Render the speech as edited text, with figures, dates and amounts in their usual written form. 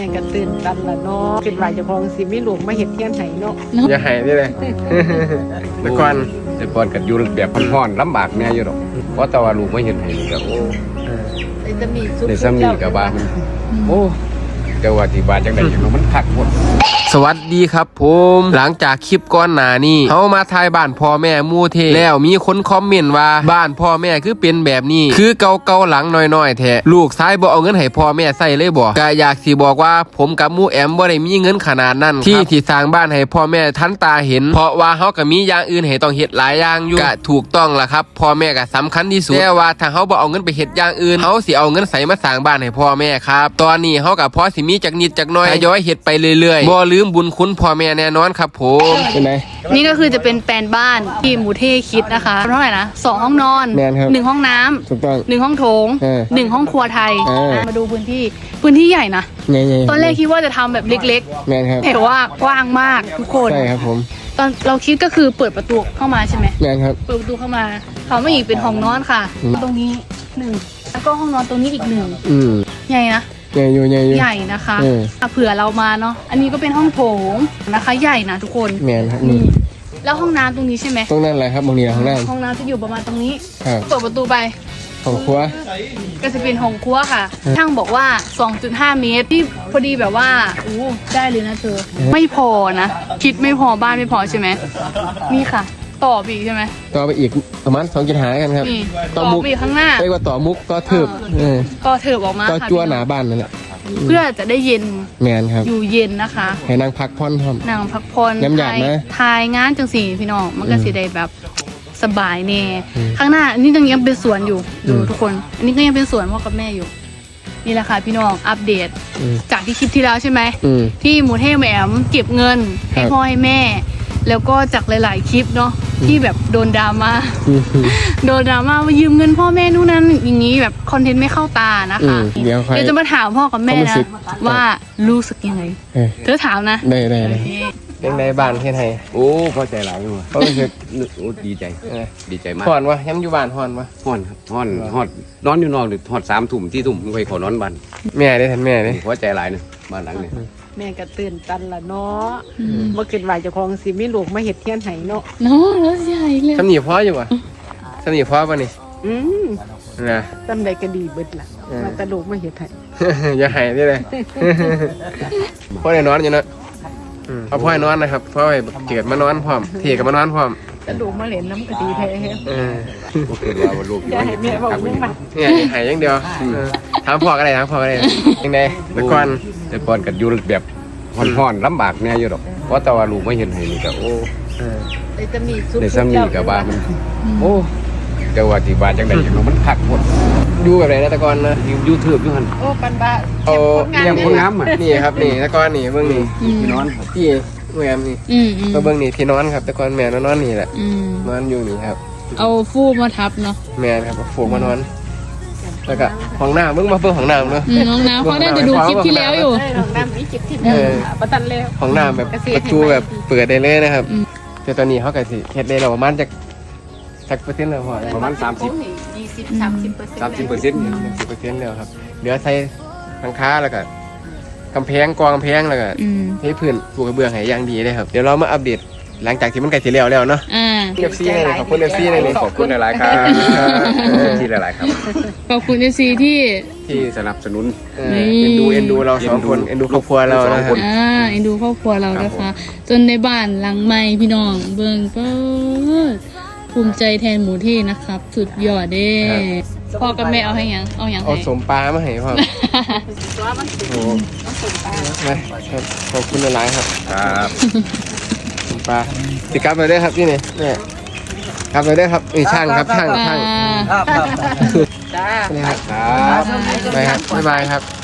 ก็ตื่นตันละเนาะคิดว่าเจ้าของสิมีลูกมาเฮ็ดเฮียนให้เนาะอย่าหายได้เลยแต่ก่อนก็อยู่แบบพ่อนๆลำบากแน่อยู่หรอกเพราะแต่ว่าลูกไม่เห็นให้นี่ก็โอ้จะมีสุดในซ้ำนี่ก็บ้ามันโอ้แต่ว่าที่บ้านจังได๋อย่างมันคักหมดสวัสดีครับผมหลังจากคลิปก่อนหน้านี้เฮามาถ่ายบ้านพ่อแม่หมู่เทแล้วมีคนคอมเมนต์ว่าบ้านพ่อแม่คือเป็นแบบนี้คือเก่าๆหลังน้อยๆแท้ลูกชายบ่เอาเงินให้พ่อแม่ใช้เลยบ่ก็อยากสิบอกว่าผมกับหมู่แอมบ่ได้มีเงินขนาดนั้นที่สร้างบ้านให้พ่อแม่ทันตาเห็นเพราะว่าเฮาก็มีอย่างอื่นให้ต้องเฮ็ดหลายอย่างอยู่ก็ถูกต้องล่ะครับพ่อแม่ก็สำคัญที่สุดแต่ว่าถ้าเฮาบ่เอาเงินไปเฮ็ดอย่างอื่นเฮาสิเอาเงินใส่มาสร้างบ้านให้พ่อแม่ครับตอนนี้เฮาก็พอสิมีจักนิดจักน้อยทยอยเฮ็ดไปเรื่อยๆบ่ลืมบุญคุณพ่อแม่แน่นอนครับผมเป็นไงนี่ก็คือจะเป็นแปลนบ้านที่หมูเท่คิดนะคะเท่าไหร่นะ2 ห้องนอนแมนครับ 1 ห้องน้ำถูกต้อง 1 ห้องโถง 1 ห้องครัวไทย มาดูพื้นที่ใหญ่นะไงตอนแรกคิดว่าจะทำแบบเล็กแมนครับๆแต่ว่ากว้างมากทุกคนใช่ครับผมตอนเราคิดก็คือเปิดประตูเข้ามาใช่ไหมแมนครับเปิดประตูเข้ามาเขาไม่อีกเป็นห้องนอนค่ะ ตรงนี้1แล้วก็ห้องนอนตรงนี้อีก1ใหญ่นะใหญ่อยู่ใหญ่นะคะเผื่อเรามาเนาะอันนี้ก็เป็นห้องโถงนะคะใหญ่นะทุกคนแมนครับนี่แล้วห้องน้ำตรงนี้ใช่ไหมตรงนั้นอะไรครับตรงนี้ห้องน้ำห้องน้ำจะอยู่ประมาณตรงนี้ครับเปิดประตูไปของครัวก็จะเป็นห้องครัวค่ะช่างบอกว่า 2.5 เมตรที่พอดีแบบว่าอู้ได้เลยนะเธอ ไม่พอนะ คิดไม่พอบ้านไม่พอใช่ไหมนี่ค่ะ ต่อไปอีกใช่ไหมต่อไปอีกประมาณ2.5กันครับนี่ต่อไปอีกข้างหน้าเรียกว่าต่อมุกต่อทึบก็เถิบออกมาต่อค่ะจั่วหนาบ้านนั่นแหละเพื่อจะได้เย็นแมนครับอยู่เย็นนะคะให้นั่งพักผ่อนพร้อมนั่งพักผ่อนย้ำหยาดนะทายงานจังสีพี่น้องมันก็สิได้แบบสบายแน่ข้างหน้าอันนี้ยังเป็นสวนอยู่ดูทุกคน อันนี้ก็ยังเป็นสวนพ่อกับแม่อยู่ นี่แหละค่ะพี่น้องอัปเดต จากที่คลิปที่แล้วใช่ไหมที่หมูเทแหมมเก็บเงินให้พ่อให้แม่ แล้วก็จากหลาย ๆ คลิปเนาะที่แบบโดนดราม่าว่ายืมเงินพ่อแม่นู่นนั่นอย่างนี้แบบคอนเทนต์ไม่เข้าตานะคะเดี๋ยวจะมาถามพ่อกับแม่นะว่ารู้สึกยังไงเธอถามนะได้เป็นในบ้านเฮ็ดให้โอ้พอใจหลายอยู่เพราะรู้สึกดีใจดีใจมากฮ้อนวะย้ำอยู่บ้านฮ้อนวะฮ้อนครับฮ้อนนอนอยู่นอกหรือฮอด3 ทุ่ม4 ทุ่มไปขอนอนบ้านแม่ได้ทันแม่เด้พอใจหลายนะบ้านหลังนี้แม่ก็ตื่นตันละเนาะบ่คิดว่าเจ้าของสิมีลูกมาเฮ็ดเฮียนให้เนาะเนาะแล้วใหญ่เลยสำนีพออยู่วะสำนีพอป่ะนี่นะจำได้ก็ดีเบิดล่ะมาแต่ลูกมาเฮ็ดให้อย่าหายได้เลยพ่อได้นอนอยู่นะพ่อให้นอนนะครับพ่อให้เกิดมานอนพร้อมเทกับมานอนพร้อมแต่ลูกมาเล่นน้ำก็ดีแท้อย่าให้แม่บอกยังมาเนี่ยหายอย่างเดียวถามพ่อก็ได้ยังไงแต่ก่อนก็อยู่แบบห่อนๆลำบากแน่อยู่หรอกเพราะแต่ว่าลูกไม่เห็นให้นี่ก็โอ้จะมีสุดในซ้ำนี่ก็บ้ามันโอ้แต่ว่าที่บ้านจังไดอย่างมันคักหมดอยู่แบบไหนนะแต่ก่อนนะยูทูบอยู่หั่นโอ้ปันบ้าเอาอย่างคนงามอ่ะนี่ครับนี่แต่ก่อนนี่เบิ่งนี่ที่นอนที่แม่นี่ก็เบิ่งนี่ที่นอนครับแต่ก่อนแม่นอนนี่แหละนอนอยู่นี่ครับเอาฟูกมาทับเนาะแม่ครับฝูงมานอนแล้วก็ห้องน้ำเบิ่งมาเบิ่งห้องน้ำเนาะห้องน้ำเขาน่าจะดูคลิปที่แล้วอยู่ห้องน้ำมีคลิปที่แล้วประตันแล้วห้องน้ำแบบประตูแบบเปิดได้เลยนะครับแต่ตอนนี้เขาก็สิเฮ็ดได้แล้วประมาณจักเปอร์เซ็นต์แล้วพอประมาณ30% แล้วครับเหลือใส่หลังคาแล้วก็กำแพงกำแพงแล้วก็ให้พื้นปูกระเบื้องให้อย่างดีเลยครับเดี๋ยวเรามาอัปเดตหลังจากที่มันใกล้สิแล้วเนาะFC เลยขอบคุณ FC เลยขอบคุณหลายๆครับที่หลายๆครับขอบคุณ FC ที่สนับสนุนเอ็นดูเรา2 คนเอ็นดูครอบครัวเรานะครับเอ็นดูครอบครัวเรานะคะจนในบ้านหลังใหม่พี่น้องเบิ่งก็ภูมิใจแทนหมูเท่นะครับสุดยอดเด้พ่อกับแม่เอาให้ยังเอาสมปลามาให้พ่อโอ้ครับขอบคุณหลายๆครับสมปลาสิกลับไปได้ครับพี่เนี่ยกลับไปได้ครับช่างครับช่างจ้านี่ครับไปครับบ๊ายบายครับ